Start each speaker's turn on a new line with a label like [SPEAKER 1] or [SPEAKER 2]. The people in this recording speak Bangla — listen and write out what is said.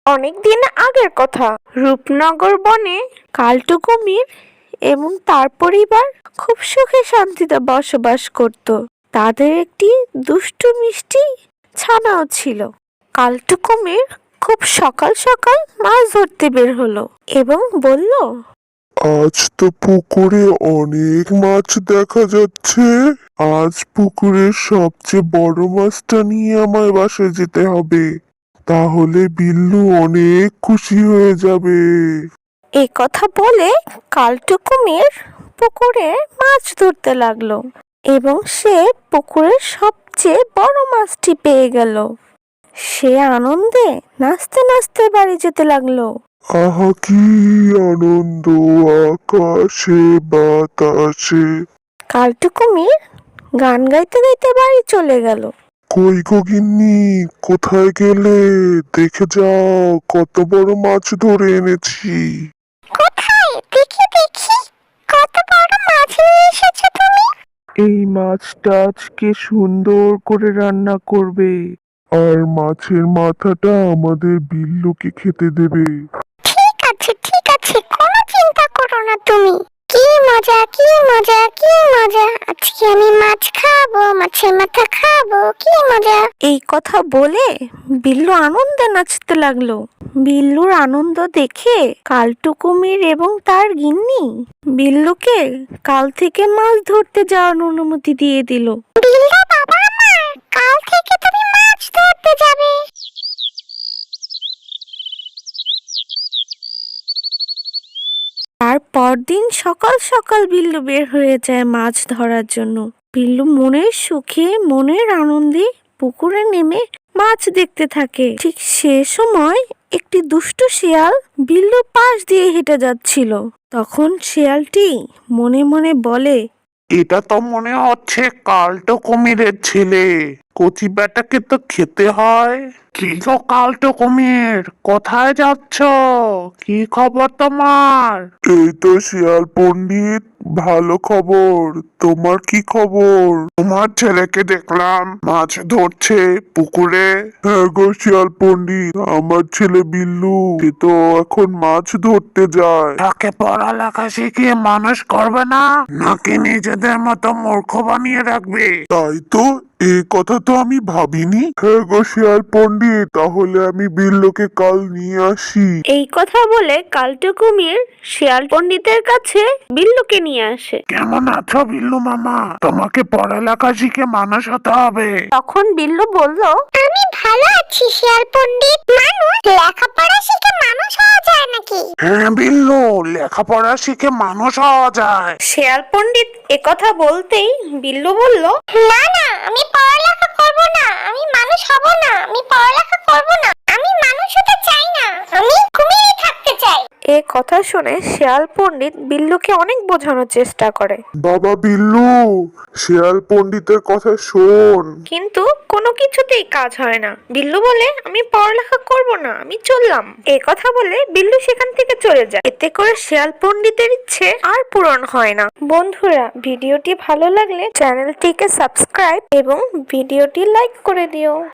[SPEAKER 1] অনেকদিন আগের কথা। রূপনগর বনে কালটু কুমির এবং তার পরিবার খুব সুখে শান্তিতে বসবাস করত। তাদের একটি দুষ্টু মিষ্টি ছানাও ছিল। কালটু কুমির খুব সকাল সকাল মাছ ধরতে বের হলো এবং বলল,
[SPEAKER 2] আজ তো পুকুরে অনেক মাছ দেখা যাচ্ছে। আজ পুকুরের সবচেয়ে বড় মাছটা নিয়ে আমায় বাসায় যেতে হবে, তাহলে বিল্লু অনেক খুশি হয়ে যাবে।
[SPEAKER 1] এ কথা বলে কালটু কুমির পুকুরে মাছ ধরতে লাগলো এবং সে পুকুরের সবচেয়ে বড় মাছটি পেয়ে গেল। সে আনন্দে নাচতে নাচতে বাড়ি যেতে লাগলো।
[SPEAKER 2] আহা কি আনন্দ আকাশে বাতাসে।
[SPEAKER 1] কালটু কুমির গান গাইতে গাইতে বাড়ি চলে গেল।
[SPEAKER 2] কই গো গিন্নি, কোথায় গেলে? দেখে যাও কত বড় মাছ ধরে এনেছি।
[SPEAKER 1] কোথায়? দেখি দেখি, কত বড় মাছ নিয়ে এসেছো তুমি?
[SPEAKER 2] এই মাছটা আজকে সুন্দর করে রান্না করবে, আর মাছের মাথাটা আমাদের বিল্লুকে খেতে দেবে।
[SPEAKER 1] ঠিক আছে, কোনো চিন্তা করো না তুমি। কি মজা কি মজা কি মজা, আজকে আমি মাছ খাবো, মাছের মাথা খাবো, কি মজা। এই কথা বলে বিল্লু আনন্দে নাচতে লাগলো। বিল্লুর আনন্দ দেখে কালটু কুমির এবং তার গিন্নি বিল্লুকে কাল থেকে মাছ ধরতে যাওয়ার অনুমতি দিয়ে দিল। বিল্লু বাবা আমার, কাল থেকে তুমি মাছ ধরতে যাবে। তার পরদিন সকাল সকাল বিল্লু বের হয়ে যায় মাছ ধরার জন্য। বিল্লু মনের সুখে মনের আনন্দে পুকুরে নেমে মাছ দেখতে থাকে। ঠিক সে সময় একটি দুষ্টু শিয়াল বিল্লুর পাশ দিয়ে হেঁটে যাচ্ছিল। তখন শিয়ালটি মনে মনে বলে,
[SPEAKER 3] এটা তো মনে হচ্ছে কালটো কুমিরের ছেলে। কচি বেটাকে তো খেতে হয়। কি গো কালটো কুমির, কোথায় যাচ্ছ? কি খবর তোমার?
[SPEAKER 2] এই তো শিয়াল পণ্ডিত, ভালো খবর। তোমার কি খবর?
[SPEAKER 3] তোমার ছেলেকে দেখলাম মাছ ধরছে পুকুরে।
[SPEAKER 2] হ্যাঁ গো শিয়াল পণ্ডিত, আমার ছেলে বিল্লু সে তো এখন মাছ ধরতে যায়।
[SPEAKER 3] তাকে পড়ালেখা শিখিয়ে মানুষ করবে না, নাকি নিজেদের মতো মূর্খ বানিয়ে রাখবে?
[SPEAKER 2] তাই তো, এ কথা তো আমি ভাবিনি। হ্যাঁ গো শিয়াল পণ্ডিত, তাহলে আমি বিল্লুকে কাল নিয়ে আসি।
[SPEAKER 1] এই কথা বলে কালটু কুমির শিয়াল পণ্ডিতের কাছে বিল্লুকে নিয়ে আসে।
[SPEAKER 3] কেমন আছো বিল্লু মামা? তোমাকে পড়ালেখা শিখে মানুষ হতে হবে।
[SPEAKER 1] তখন বিল্লু বলল, আমি ভালো আছি শিয়াল পণ্ডিত। মানুষ লেখাপড়া শিখে মানুষ হওয়া যায় নাকি?
[SPEAKER 3] হ্যাঁ বিল্লু, লেখাপড়া শিখে মানুষ হওয়া যায়।
[SPEAKER 1] শিয়াল পণ্ডিত একথা বলতেই বিল্লু বলল, না না, আমি পড়ালেখা করব না, আমি মানুষ হব না, আমি পড়ালেখা করব না, আমি মানুষ হতে চাই না, আমি কুমিরই থাকতে চাই। এ কথা শুনে শিয়াল পণ্ডিত বিল্লুকে অনেক বোঝানোর চেষ্টা করে,
[SPEAKER 2] বাবা বিল্লু, শিয়াল পণ্ডিতের কথা শোন।
[SPEAKER 1] কিন্তু কোনো কিছুতেই কাজ হয় না। বিল্লু বলে, আমি পড়ালেখা করব না, আমি চললাম। এ কথা বলে বিল্লু সেখান থেকে চলে যায়। এতে করে শিয়াল পণ্ডিতের ইচ্ছে আর পূরণ হয় না। বন্ধুরা, ভিডিওটি ভালো লাগলে চ্যানেলটিকে সাবস্ক্রাইব এবং ভিডিওটি লাইক করে দিও।